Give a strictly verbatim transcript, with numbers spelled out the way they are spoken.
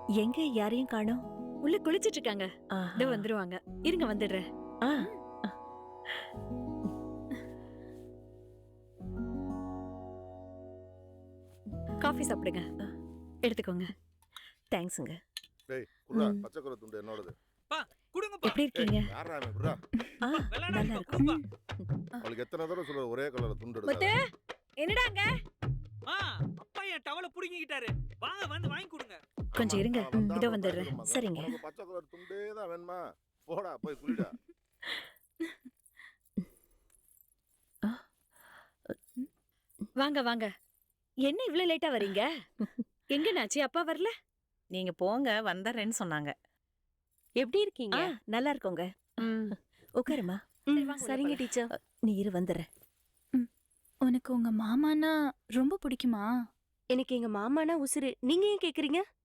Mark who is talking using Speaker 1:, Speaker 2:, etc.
Speaker 1: எங்க யாரையும் காணோம்?
Speaker 2: உள்ள குளிச்சிட்டு இருக்காங்க.
Speaker 1: ஆஹா.
Speaker 2: இதோ வந்துருவாங்க. இருங்க வந்துடுறேன்.
Speaker 1: ஆ.
Speaker 2: காஃபி சாப்பிடுங்க. எடுத்துக்கோங்க.
Speaker 1: தேங்க்ஸுங்க.
Speaker 3: டேய் குர்ரா
Speaker 1: ம்.
Speaker 3: பச்சை கலர் துண்டு என்னோடது.
Speaker 4: பா குடுங்கப்பா.
Speaker 2: எப்படி இருக்கீங்க?
Speaker 3: யாரா அவன் குர்ரா?
Speaker 1: ஆ,
Speaker 4: வெள்ளாடா
Speaker 1: நல்லா
Speaker 4: இப்ப
Speaker 1: இருக்கும்.
Speaker 4: குடுப்பா.
Speaker 3: அவளுக்கு எத்தனை தடவை சொல்ற ஒரே கலர் துண்டு
Speaker 2: முத்து
Speaker 3: எடுக்காத.
Speaker 2: என்னடாங்க?
Speaker 4: ஆ அப்பா என் டவல புடுங்கிட்டாரு. வாங்க வந்து வாங்கி கொடுங்க.
Speaker 2: கொஞ்சம் இருங்க.
Speaker 3: அவன் வந்தா
Speaker 2: இதோ
Speaker 3: அப்புறம்
Speaker 2: வந்துடுறேன்.
Speaker 3: பயந்துருமா?
Speaker 1: சரிங்க.
Speaker 3: உனக்கு பச்சை கலர் துண்டே தான் வேணுமா? போடா போய் குளிடா.
Speaker 2: வாங்க வாங்க. என்ன இவ்ளோ லேட்டா வரீங்க? எங்க நாச்சி அப்பா வரல?
Speaker 5: நீங்க போங்க வந்தறேன்னு சொன்னாங்க. எப்படி இருக்கீங்க?
Speaker 1: ஆ, நல்லா இருக்கோங்க.
Speaker 5: ம்.
Speaker 1: உட்காருமா.
Speaker 2: சரி, வாங்க, உள்ள
Speaker 5: சரிங்க
Speaker 2: போலாம்.
Speaker 5: டீச்சர்.
Speaker 1: நீ இரு வந்துடுறேன்.
Speaker 6: உனக்கு உங்க மாமானா ரொம்ப பிடிக்குமா?
Speaker 5: எனக்கு எங்க மாமானா உசுரு. நீங்க ஏன் கேக்குறீங்க?